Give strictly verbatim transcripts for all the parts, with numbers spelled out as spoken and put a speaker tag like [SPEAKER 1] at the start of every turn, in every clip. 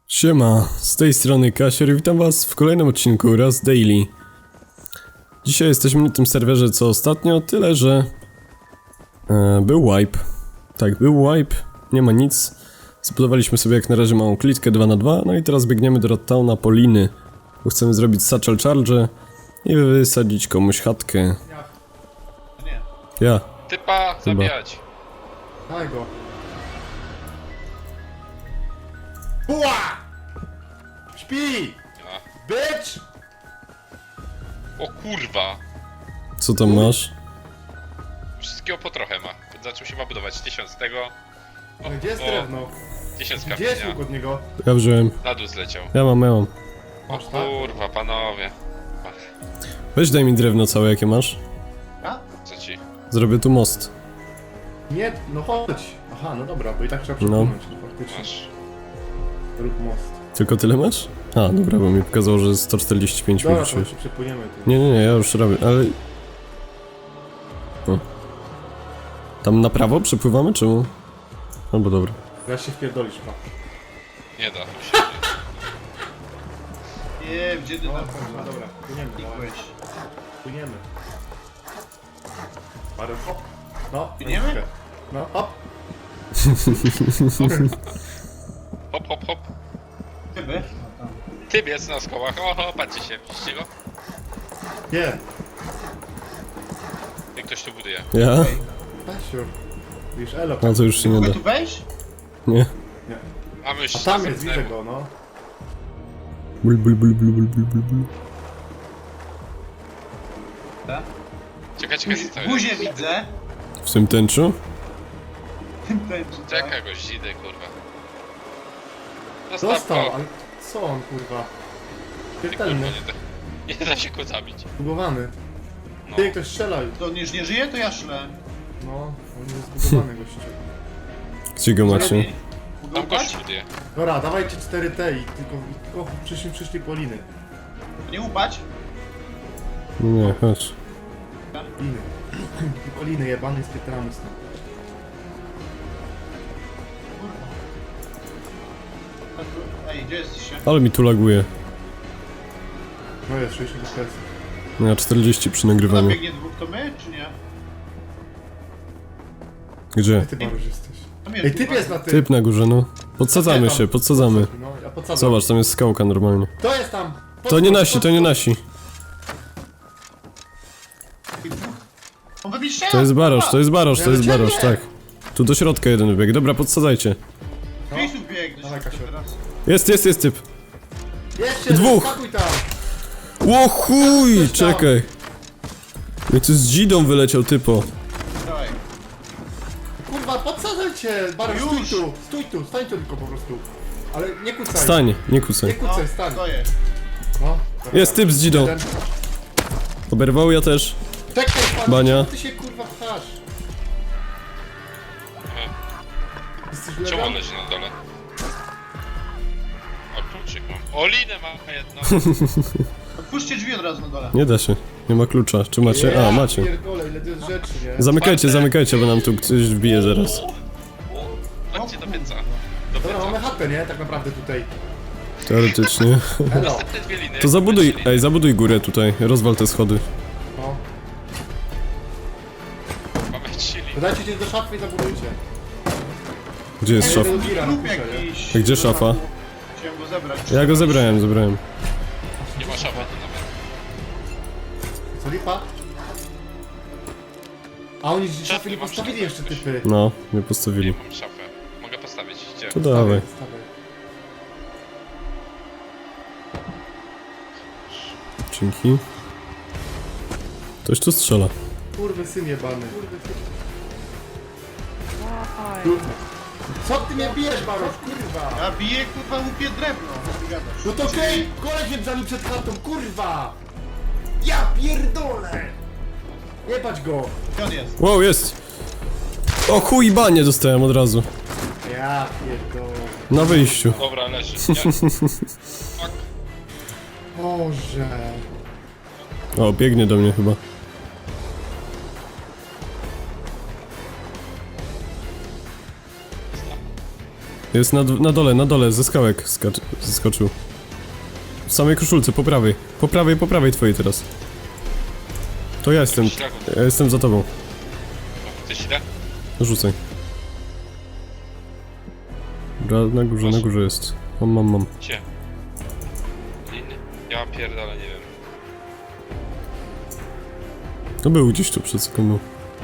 [SPEAKER 1] Siema, z tej strony Kasier i witam was w kolejnym odcinku Rust Daily. Dzisiaj jesteśmy na tym serwerze co ostatnio, tyle że e, był wipe. Tak, był wipe, nie ma nic. Zbudowaliśmy sobie jak na razie małą klitkę dwa na dwa, no i teraz biegniemy do Rattowna po liny, bo chcemy zrobić satchel charge i wysadzić komuś chatkę.
[SPEAKER 2] Ja. Nie.
[SPEAKER 1] Ja.
[SPEAKER 3] Typa zabijać.
[SPEAKER 2] Daj go. Buła! Śpi!
[SPEAKER 3] Ja.
[SPEAKER 2] Bitch!
[SPEAKER 3] O kurwa.
[SPEAKER 1] Co tam masz?
[SPEAKER 3] Wszystkiego po trochę ma. Zaczął się ma budować. Tysiąc tego. O,
[SPEAKER 2] Gdzie jest
[SPEAKER 3] o,
[SPEAKER 2] drewno?
[SPEAKER 3] Tysiąc
[SPEAKER 2] Gdzie jest
[SPEAKER 3] kamienia.
[SPEAKER 2] łuk od niego?
[SPEAKER 1] Ja wziąłem.
[SPEAKER 3] Na dół zleciał.
[SPEAKER 1] Ja mam, ja mam.
[SPEAKER 3] O
[SPEAKER 2] Masz, tak?
[SPEAKER 3] kurwa, panowie. Ach,
[SPEAKER 1] Weź daj mi drewno całe jakie masz.
[SPEAKER 2] A?
[SPEAKER 3] co ci?
[SPEAKER 1] Zrobię tu most.
[SPEAKER 2] Nie, no chodź. Aha, no dobra, bo i tak trzeba
[SPEAKER 1] No.
[SPEAKER 2] przepłynąć, no. Faktycznie.
[SPEAKER 3] Masz.
[SPEAKER 2] Rób most.
[SPEAKER 1] Tylko tyle masz? A, dobra, bo mi pokazało, że sto czterdzieści pięć mi
[SPEAKER 2] Dobra, to
[SPEAKER 1] wrzuciłeś.
[SPEAKER 2] się przepłyniemy tu.
[SPEAKER 1] Nie, nie, nie, ja już robię, ale... O. Tam na prawo przepływamy, czemu? Albo dobra.
[SPEAKER 2] Teraz się wpierdolisz, pa.
[SPEAKER 3] Nie da się.
[SPEAKER 4] Nie, gdzie ty
[SPEAKER 2] No,
[SPEAKER 4] tam
[SPEAKER 2] no dobra, płyniemy.
[SPEAKER 4] klikłeś?
[SPEAKER 2] Płyniemy. Parę hop. No,
[SPEAKER 4] Płyniemy?
[SPEAKER 2] troszkę. No, hop.
[SPEAKER 3] Hop, hop, hop.
[SPEAKER 4] Chyba?
[SPEAKER 3] Typ jest na skołach. Oho, patrzcie się. Widzicie go?
[SPEAKER 2] Nie.
[SPEAKER 3] Jak ktoś tu buduje.
[SPEAKER 1] Ja?
[SPEAKER 2] Pasiur. Widzisz, elo.
[SPEAKER 1] No to już się nie
[SPEAKER 4] Mogę
[SPEAKER 1] da.
[SPEAKER 4] tu wejść?
[SPEAKER 1] Nie.
[SPEAKER 2] Nie.
[SPEAKER 3] A my już
[SPEAKER 2] A tam jest,
[SPEAKER 3] następnemu.
[SPEAKER 2] widzę go, no.
[SPEAKER 1] Bul, bul, bul, bul, bul, bul, bul, bul.
[SPEAKER 4] Tak.
[SPEAKER 3] Czekaj, czekaj, co to jest?
[SPEAKER 4] Buzię widzę.
[SPEAKER 1] W tym tęczu?
[SPEAKER 4] Ten, czy tak?
[SPEAKER 3] Czekaj go, zidy, kurwa.
[SPEAKER 2] Dostał,
[SPEAKER 3] go.
[SPEAKER 2] ale co on, kurwa?
[SPEAKER 3] Ty, kurwa,
[SPEAKER 2] Śmiertelny.
[SPEAKER 3] nie da, nie da się go zabić.
[SPEAKER 2] Zbugowany.
[SPEAKER 3] No.
[SPEAKER 2] Ty, ktoś strzelał.
[SPEAKER 4] To on już nie żyje, to ja szlę.
[SPEAKER 2] No, on jest zbugowany, gościu.
[SPEAKER 1] Gdzie go macie?
[SPEAKER 3] Tam
[SPEAKER 4] Mogę
[SPEAKER 3] gość
[SPEAKER 4] upać?
[SPEAKER 3] buduje.
[SPEAKER 2] Dobra, dawajcie cztery T i tylko, tylko przyszli, przyszli po liny.
[SPEAKER 4] Nie upać?
[SPEAKER 1] Nie, chodź.
[SPEAKER 2] Liny. Tylko liny jebany z Pietramus.
[SPEAKER 4] Ej, gdzie jesteście?
[SPEAKER 1] Ale mi tu laguje.
[SPEAKER 2] No jest sześćdziesiąt F P S.
[SPEAKER 1] No ja czterdzieści przy
[SPEAKER 4] Tam
[SPEAKER 1] nagrywaniu.
[SPEAKER 4] biegnie dwóch, to my, czy nie?
[SPEAKER 1] Gdzie?
[SPEAKER 2] Ty Baruś jesteś.
[SPEAKER 4] Tam
[SPEAKER 2] Ej, typ
[SPEAKER 4] kurwa.
[SPEAKER 2] jest na tym!
[SPEAKER 1] Typ na górze, no. Podsadzamy się, podsadzamy.
[SPEAKER 2] No, ja podsadzam.
[SPEAKER 1] Zobacz, tam jest skałka normalnie.
[SPEAKER 2] To jest tam!
[SPEAKER 1] To nie nasi, to nie nasi.
[SPEAKER 4] On we mnie strzela!
[SPEAKER 1] To jest barosz, to jest barosz, to jest
[SPEAKER 2] Ja do
[SPEAKER 1] barosz,
[SPEAKER 2] ciebie!
[SPEAKER 1] tak. Tu do środka jeden wybieg. Dobra, podsadzajcie.
[SPEAKER 4] Miejsców bieg, do
[SPEAKER 2] Dawaj,
[SPEAKER 4] środka
[SPEAKER 2] Kasiu.
[SPEAKER 4] teraz.
[SPEAKER 1] Jest, jest, jest typ.
[SPEAKER 2] Jeszcze
[SPEAKER 1] Dwóch!
[SPEAKER 2] skakuj tam!
[SPEAKER 1] Ło chuj,
[SPEAKER 2] Ktoś tam.
[SPEAKER 1] czekaj. Jak tu z dzidą wyleciał typo.
[SPEAKER 4] Dawaj.
[SPEAKER 2] Kurwa, podsadzaj cię! Baruś, stój
[SPEAKER 4] Już.
[SPEAKER 2] tu! Stój tu, stań tu tylko po prostu. Ale nie kucaj.
[SPEAKER 1] Stań, nie
[SPEAKER 2] Nie
[SPEAKER 1] kucaj.
[SPEAKER 2] kucaj, stań.
[SPEAKER 4] stoję.
[SPEAKER 2] No. dobra.
[SPEAKER 1] Jest typ z dzidą.
[SPEAKER 2] Jeden.
[SPEAKER 1] Oberwał ja też.
[SPEAKER 2] Czekaj, pan,
[SPEAKER 1] Bania.
[SPEAKER 2] ty się kurwa pchasz. Jesteś
[SPEAKER 3] Czemu
[SPEAKER 2] legal?
[SPEAKER 3] on leży na dole? O, kluczyk mam. O, linę mam jedną.
[SPEAKER 4] Otwórzcie drzwi od razu na dole.
[SPEAKER 1] Nie da się. Nie ma klucza. Czy macie? A, macie.
[SPEAKER 2] Pierdolę, ile to jest rzeczy, nie?
[SPEAKER 1] Zamykajcie, zamykajcie, bo nam tu ktoś wbije zaraz.
[SPEAKER 3] Chodźcie do pieca. Do
[SPEAKER 2] Dobra, mamy
[SPEAKER 3] pieca.
[SPEAKER 2] chatę, nie? Tak naprawdę tutaj.
[SPEAKER 1] Teoretycznie.
[SPEAKER 2] Elo.
[SPEAKER 3] Następne dwie liny.
[SPEAKER 1] To zabuduj,
[SPEAKER 3] Lecili.
[SPEAKER 1] ej, zabuduj górę tutaj. Rozwal te schody.
[SPEAKER 2] No.
[SPEAKER 3] Mamy chili.
[SPEAKER 2] Dodajcie się do szafy i zabudujcie.
[SPEAKER 1] Gdzie jest szaf?
[SPEAKER 2] Ej, gira
[SPEAKER 4] Lub
[SPEAKER 2] napiszę, nie?
[SPEAKER 4] jakiś...
[SPEAKER 1] A gdzie szafa?
[SPEAKER 4] Chciałem go zebrać.
[SPEAKER 1] Ja go zebrałem, zebrałem.
[SPEAKER 3] Nie ma szafy tu nawet.
[SPEAKER 2] Co lipa? A oni
[SPEAKER 3] Szafy
[SPEAKER 2] szafy nie
[SPEAKER 3] mam
[SPEAKER 2] postawili
[SPEAKER 3] szafę
[SPEAKER 2] jeszcze
[SPEAKER 3] jakoś.
[SPEAKER 2] typy.
[SPEAKER 1] No, nie
[SPEAKER 3] Nie
[SPEAKER 1] postawili.
[SPEAKER 3] mam szafę. Mogę postawić. Gdzie?
[SPEAKER 1] To dawaj.
[SPEAKER 2] Stawaj.
[SPEAKER 1] Dzięki. Ktoś tu strzela.
[SPEAKER 2] Kurwy syn jebany. Kurwa. Co ty mnie bijesz, Barosz, kurwa?
[SPEAKER 4] Ja biję, kurwa, łupię drewno. Co ty gadasz?
[SPEAKER 2] No to okej, koleś mnie brzmi przed chatą, kurwa! Ja pierdolę! Nie patrz go!
[SPEAKER 4] Gdzie on jest?
[SPEAKER 1] Wow, jest! O chuj, banie dostałem od razu.
[SPEAKER 2] Ja pierdolę.
[SPEAKER 1] Na wyjściu.
[SPEAKER 3] Dobra, leży. Nie. Fuck.
[SPEAKER 2] Boże.
[SPEAKER 1] O, biegnie do mnie chyba. Jest na, na dole, na dole, ze skałek skacz, zeskoczył. W samej koszulce, po prawej. Po prawej, po prawej twojej teraz. To ja jestem, ja jestem za tobą.
[SPEAKER 3] Chcesz ile?
[SPEAKER 1] Rzucaj. Dobra, na górze, na górze jest. Mam, mam, mam.
[SPEAKER 3] Gdzie? Liny? Ja pierdolę, nie wiem.
[SPEAKER 1] To był gdzieś tu przed sekundą.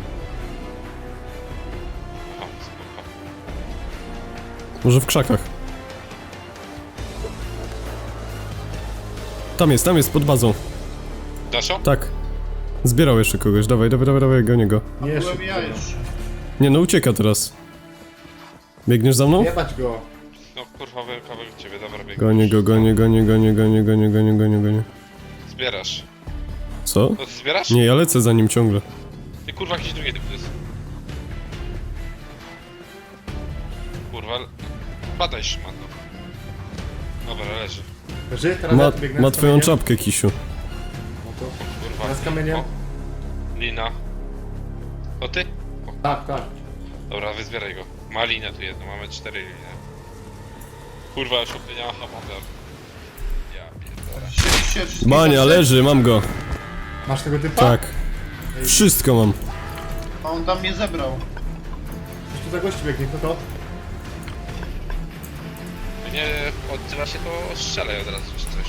[SPEAKER 3] Aha, spoko.
[SPEAKER 1] Może w krzakach. Tam jest, tam jest, pod bazą.
[SPEAKER 3] Daszo?
[SPEAKER 1] Tak. Zbierał jeszcze kogoś, dawaj, dawaj, dawaj, dawaj, gonię go.
[SPEAKER 4] A
[SPEAKER 2] Nie,
[SPEAKER 4] byłem
[SPEAKER 2] szybko.
[SPEAKER 4] ja jeszcze.
[SPEAKER 1] Nie no, ucieka teraz. Biegniesz za mną?
[SPEAKER 2] Jebać go.
[SPEAKER 3] No kurwa, byłem kawałek ciebie, dobra, biegniesz.
[SPEAKER 1] Gonię go, gonię, gonię, gonię, gonię, gonię, gonię, gonię, gonię.
[SPEAKER 3] Zbierasz.
[SPEAKER 1] Co?
[SPEAKER 3] No ty zbierasz?
[SPEAKER 1] Nie, ja lecę za nim ciągle.
[SPEAKER 3] Ty kurwa, jakiś drugi typ to jest. Kurwa, badaj szmano. Dobra, leży.
[SPEAKER 2] Leży, teraz
[SPEAKER 1] Ma,
[SPEAKER 2] ja tu biegnę
[SPEAKER 1] ma
[SPEAKER 2] z
[SPEAKER 1] twoją
[SPEAKER 2] kamieniem.
[SPEAKER 1] czapkę, Kisiu.
[SPEAKER 2] No to...
[SPEAKER 3] Kurwa.
[SPEAKER 2] Teraz kamieniem.
[SPEAKER 3] O, Lina. To ty? O,
[SPEAKER 2] Tak, tak.
[SPEAKER 3] dobra, wyzbieraj go. Ma linę tu jedną, mamy cztery liny. Kurwa, już opiniała hamowia. Ja pierdolę.
[SPEAKER 4] Wzięliście wszystkie
[SPEAKER 1] Bania,
[SPEAKER 4] kasy?
[SPEAKER 1] leży, mam go.
[SPEAKER 2] Masz tego typa?
[SPEAKER 1] Tak. Wszystko mam.
[SPEAKER 4] A on tam mnie zebrał.
[SPEAKER 2] Coś tu za gości biegnie, kto to?
[SPEAKER 3] Jak nie odzywa się, to strzelaj od razu czy coś.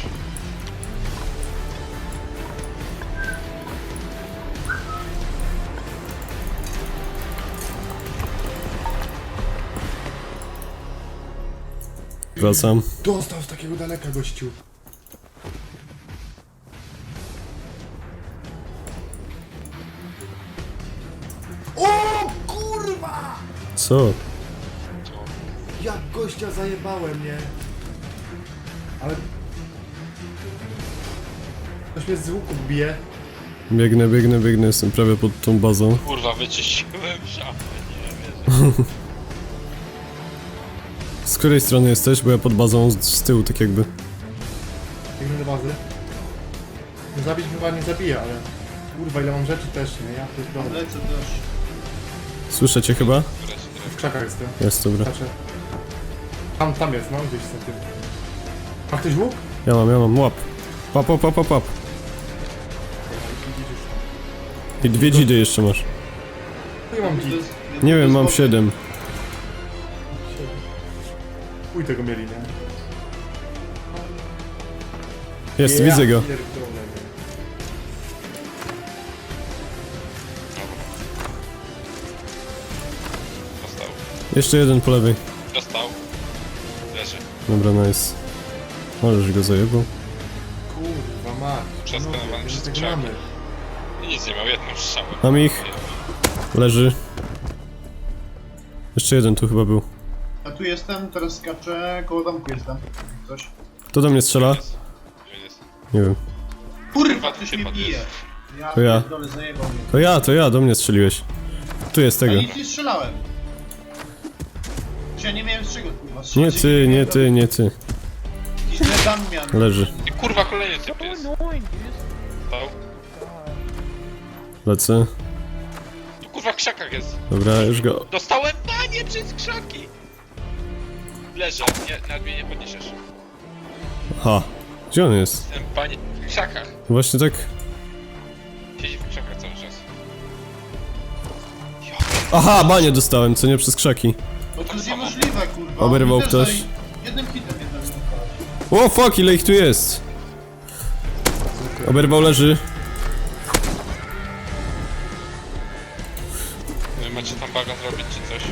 [SPEAKER 1] Wracam.
[SPEAKER 2] Dostał z takiego daleka, gościu. O kurwa!
[SPEAKER 1] Co?
[SPEAKER 3] To
[SPEAKER 2] Jak gościa zajebałem, nie? Ale... Ktoś mnie z łuku bije.
[SPEAKER 1] Biegnę, biegnę, biegnę, jestem prawie pod tą bazą.
[SPEAKER 3] kurwa, wyczyściłem szafę, nie wierzę.
[SPEAKER 1] Z której strony jesteś? Bo ja pod bazą z, z tyłu, tak jakby.
[SPEAKER 2] Biegnę do bazy. No zabić chyba nie zabija, ale... Kurwa, ile mam rzeczy też, nie? Ja pierdolę.
[SPEAKER 4] Lecę też.
[SPEAKER 1] Słyszę cię chyba?
[SPEAKER 3] Wreszcie,
[SPEAKER 2] W krzakach jestem.
[SPEAKER 1] Jest, dobra.
[SPEAKER 2] Patrzę. Tam, tam jest, no gdzieś za tym. Ma ktoś łuk?
[SPEAKER 1] Ja mam, ja mam, łap. Łap, łap, łap, łap, łap. I dwie dzidy jeszcze masz.
[SPEAKER 2] Nie mam
[SPEAKER 4] To
[SPEAKER 2] dzik.
[SPEAKER 4] jest-
[SPEAKER 1] Nie
[SPEAKER 4] to
[SPEAKER 1] wiem,
[SPEAKER 4] jest
[SPEAKER 1] mam
[SPEAKER 4] boty.
[SPEAKER 1] siedem.
[SPEAKER 2] Chuj tego mieli, nie?
[SPEAKER 1] Jest,
[SPEAKER 2] Ja
[SPEAKER 1] widzę go.
[SPEAKER 2] pierdolę, nie?
[SPEAKER 3] dostał.
[SPEAKER 1] Jeszcze jeden po lewej.
[SPEAKER 3] Dostał. Leży.
[SPEAKER 1] Dobra, nice. Możesz go zajebał.
[SPEAKER 2] Kurwa mać.
[SPEAKER 3] Przeskanowany
[SPEAKER 2] Panowie,
[SPEAKER 3] przez
[SPEAKER 2] tego
[SPEAKER 3] krzaki.
[SPEAKER 2] mamy.
[SPEAKER 3] I nic nie miał, jedną strzałę.
[SPEAKER 1] Mam ich. Leży. Jeszcze jeden tu chyba był.
[SPEAKER 4] A tu jestem, teraz skaczę, koło domku jestem. Coś.
[SPEAKER 1] Kto do mnie strzela?
[SPEAKER 3] Jest. Jest.
[SPEAKER 1] Nie wiem.
[SPEAKER 4] Kurwa,
[SPEAKER 3] tu
[SPEAKER 4] ktoś
[SPEAKER 3] się
[SPEAKER 4] mnie
[SPEAKER 3] podnieś.
[SPEAKER 4] bije. Ja
[SPEAKER 1] To ja.
[SPEAKER 4] pierdolę, zajebał mnie.
[SPEAKER 1] To ja, to ja, do mnie strzeliłeś. Tu jest
[SPEAKER 4] Ja
[SPEAKER 1] tego.
[SPEAKER 4] nic nie strzelałem. Ja nie miałem z czego, kurwa.
[SPEAKER 1] Nie
[SPEAKER 4] strzelać.
[SPEAKER 1] ty, nie ty, nie ty.
[SPEAKER 4] Jakiś dredan miałem.
[SPEAKER 1] Leży.
[SPEAKER 3] I kurwa, kolejny typ jest. Dostał.
[SPEAKER 1] Lecę.
[SPEAKER 3] Tu kurwa w krzakach jest.
[SPEAKER 1] Dobra, już go.
[SPEAKER 3] Dostałem panie przez krzaki! Leżę, nie, nawet mnie nie podniesiesz.
[SPEAKER 1] Ha. Gdzie on jest?
[SPEAKER 3] Ten panie w krzakach.
[SPEAKER 1] Właśnie tak.
[SPEAKER 3] Siedzi w krzakach cały czas.
[SPEAKER 1] Aha, banie dostałem, co nie przez krzaki.
[SPEAKER 4] No to
[SPEAKER 3] Tak
[SPEAKER 4] jest
[SPEAKER 3] samo.
[SPEAKER 4] niemożliwe, kurwa.
[SPEAKER 1] Oberwał
[SPEAKER 4] Oni też
[SPEAKER 1] ktoś.
[SPEAKER 4] zaj- Jednym hitem mnie zabił.
[SPEAKER 1] O fuck, ile ich tu jest? Oberwał leży.
[SPEAKER 3] Wy macie tam baga zrobić czy coś?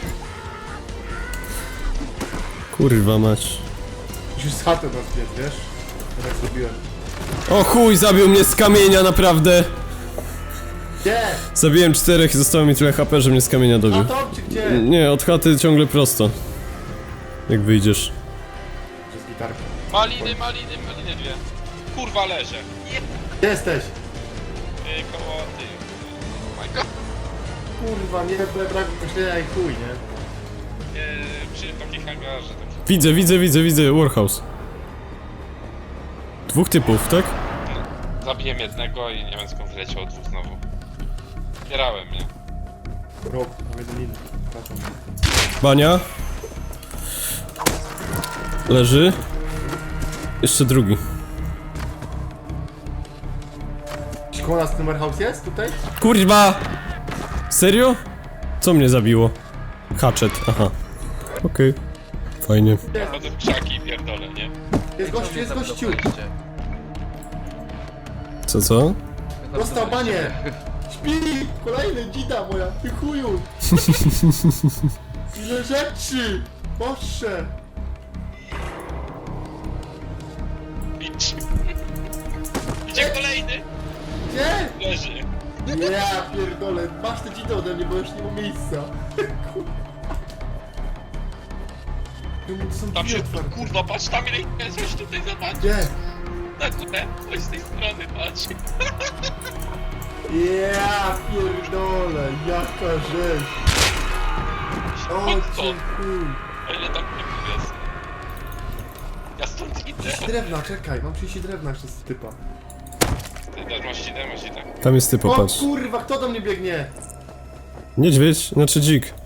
[SPEAKER 1] Kurwa mać.
[SPEAKER 2] Musisz z chaty nas biec, wiesz? Ja tak zrobiłem.
[SPEAKER 1] O chuj, zabił mnie z kamienia, naprawdę.
[SPEAKER 2] Gdzie?
[SPEAKER 1] Zabiłem czterech i zostało mi tyle H P, że mnie z kamienia
[SPEAKER 2] A
[SPEAKER 1] dobił.
[SPEAKER 2] to czy gdzie?
[SPEAKER 1] Nie, od chaty ciągle prosto. Jak wyjdziesz.
[SPEAKER 2] Przez gitarkę.
[SPEAKER 3] Maliny, maliny, maliny dwie. Kurwa leżę. Nie,
[SPEAKER 2] Gdzie jesteś?
[SPEAKER 3] ty, koło ty. Oh my god.
[SPEAKER 2] Kurwa, nie brak braku myślenia i chuj, nie?
[SPEAKER 3] Nie, przy takim hangarze tam.
[SPEAKER 1] Widzę, widzę, widzę, widzę, Warhouse. Dwóch typów, tak?
[SPEAKER 3] Zabiłem jednego i nie wiem skąd wyleciał dwóch znowu. Zbierałem, nie?
[SPEAKER 2] Rok, mam jeden inny. Przepraszam.
[SPEAKER 1] Bania. Leży. Jeszcze drugi.
[SPEAKER 2] Czy koło nas numer house jest tutaj?
[SPEAKER 1] Kurwa! Serio? Co mnie zabiło? Hatchet, aha. Okej. Fajnie.
[SPEAKER 3] Chodzę w krzaki i pierdolę, nie?
[SPEAKER 2] Jest gościu, jest gościu!
[SPEAKER 1] Co, co?
[SPEAKER 2] Dostał banie! Śpi! Kolejny dzida moja, ty chuju! Ile rzeczy! Boże!
[SPEAKER 3] Idź. Idzie kolejny!
[SPEAKER 2] Gdzie?
[SPEAKER 3] Leży.
[SPEAKER 2] Ja pierdolę, masz te dzidy ode mnie, bo już nie ma miejsca. Kurwa. To są
[SPEAKER 3] Tam
[SPEAKER 2] drzwi
[SPEAKER 3] się,
[SPEAKER 2] otwarte.
[SPEAKER 3] kurwa, patrz tam ile jest, coś tutaj zobacz.
[SPEAKER 2] Gdzie?
[SPEAKER 3] Na górę, chodź z tej strony, patrz.
[SPEAKER 2] Ja pierdolę, jaka rzecz! O,
[SPEAKER 3] Chodź
[SPEAKER 2] cię
[SPEAKER 3] stąd.
[SPEAKER 2] chuj!
[SPEAKER 3] A ile tam nie jest? Ja stąd idę.
[SPEAKER 2] trzydzieści drewna, czekaj, mam trzydzieści drewna jeszcze z typa.
[SPEAKER 3] Ty też masz idę, masz idę.
[SPEAKER 1] Tam jest ty,
[SPEAKER 2] O
[SPEAKER 1] popatrz.
[SPEAKER 2] kurwa, kto do mnie biegnie?
[SPEAKER 1] Niedźwiedź, znaczy dzik.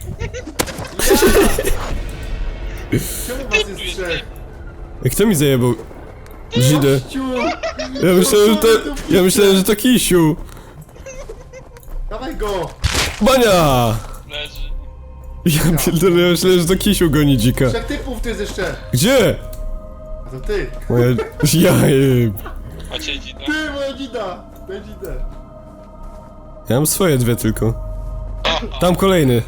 [SPEAKER 2] Czemu was jest trzech?
[SPEAKER 1] Ej, kto mi zajebał? Dzidę.
[SPEAKER 2] Gościu!
[SPEAKER 1] Ja myślałem, że to... Ja myślałem, że to Kisiu.
[SPEAKER 2] Dawaj go!
[SPEAKER 1] Bania!
[SPEAKER 3] Leży.
[SPEAKER 1] Ja pierdolę, ja myślałem, że to Kisiu goni dzika.
[SPEAKER 2] Trzech typów tu jest jeszcze!
[SPEAKER 1] Gdzie?
[SPEAKER 2] A to ty!
[SPEAKER 1] Moja... Ja jeb.
[SPEAKER 3] Macie idę.
[SPEAKER 2] Ty, moja dzida! Moja dzida!
[SPEAKER 1] Ja mam swoje dwie tylko. Tam kolejny.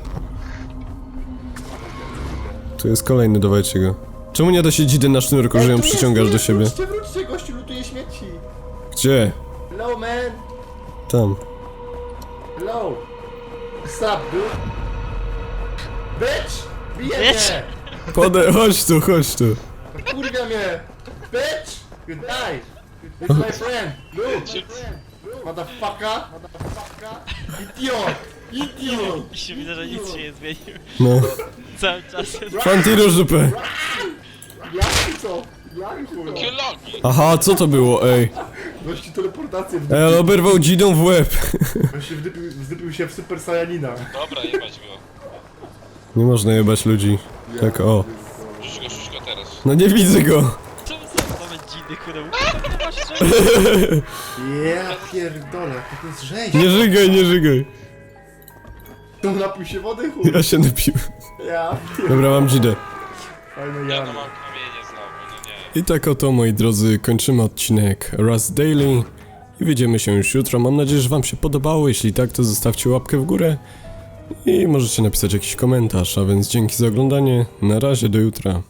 [SPEAKER 1] Tu jest kolejny, dawajcie go. Czemu nie da się dzidy na sznurku, że ją
[SPEAKER 2] tu jest,
[SPEAKER 1] przyciągasz
[SPEAKER 2] tu
[SPEAKER 1] do
[SPEAKER 2] jest,
[SPEAKER 1] siebie?
[SPEAKER 2] Wróćcie, wróćcie, gościu lutuje śmieci!
[SPEAKER 1] Gdzie?
[SPEAKER 2] Hello, man!
[SPEAKER 1] Tam.
[SPEAKER 2] Hello! What's up, dude? Bitch! Bije
[SPEAKER 5] Bitch!
[SPEAKER 2] mnie!
[SPEAKER 1] Podaj, chodź tu, chodź tu.
[SPEAKER 2] Kurwia mnie! Bitch! You die! It's my friend! Look! My friend! Motherfucker! Motherfucker! Idiot! Idiot!
[SPEAKER 5] I się widzę, że nic się nie zmienił.
[SPEAKER 1] No.
[SPEAKER 5] Cały czas jest...
[SPEAKER 1] Fantirusz dupę.
[SPEAKER 2] Jak co? Jak chuj?
[SPEAKER 3] Jakie logi?
[SPEAKER 1] Aha, co to było, ej?
[SPEAKER 2] Gości teleportację
[SPEAKER 1] Ej, ale oberwał dzidą w łeb.
[SPEAKER 2] Gości wdypił, wdypił się w Super Saiyanina.
[SPEAKER 3] Dobra, jebać go.
[SPEAKER 1] Nie można jebać ludzi. Tak, o.
[SPEAKER 3] Rzuć go, rzuć go teraz.
[SPEAKER 1] No nie widzę go.
[SPEAKER 5] Czemu są same dzidy, które nie masz czego?
[SPEAKER 2] Ja pierdolę, jak to jest rzeź!
[SPEAKER 1] Nie żygaj, nie żygaj.
[SPEAKER 2] To napił się wody, chuj!
[SPEAKER 1] Ja się napiłem.
[SPEAKER 2] Ja pierdolę.
[SPEAKER 1] Dobra, mam dzidę.
[SPEAKER 2] Fajne
[SPEAKER 3] Ja no
[SPEAKER 2] jamy.
[SPEAKER 3] mam kamienie znowu, no nie.
[SPEAKER 1] I tak oto, moi drodzy, kończymy odcinek Rust Daily. I widzimy się już jutro. Mam nadzieję, że wam się podobało. Jeśli tak, to zostawcie łapkę w górę. I możecie napisać jakiś komentarz. A więc dzięki za oglądanie. Na razie, do jutra.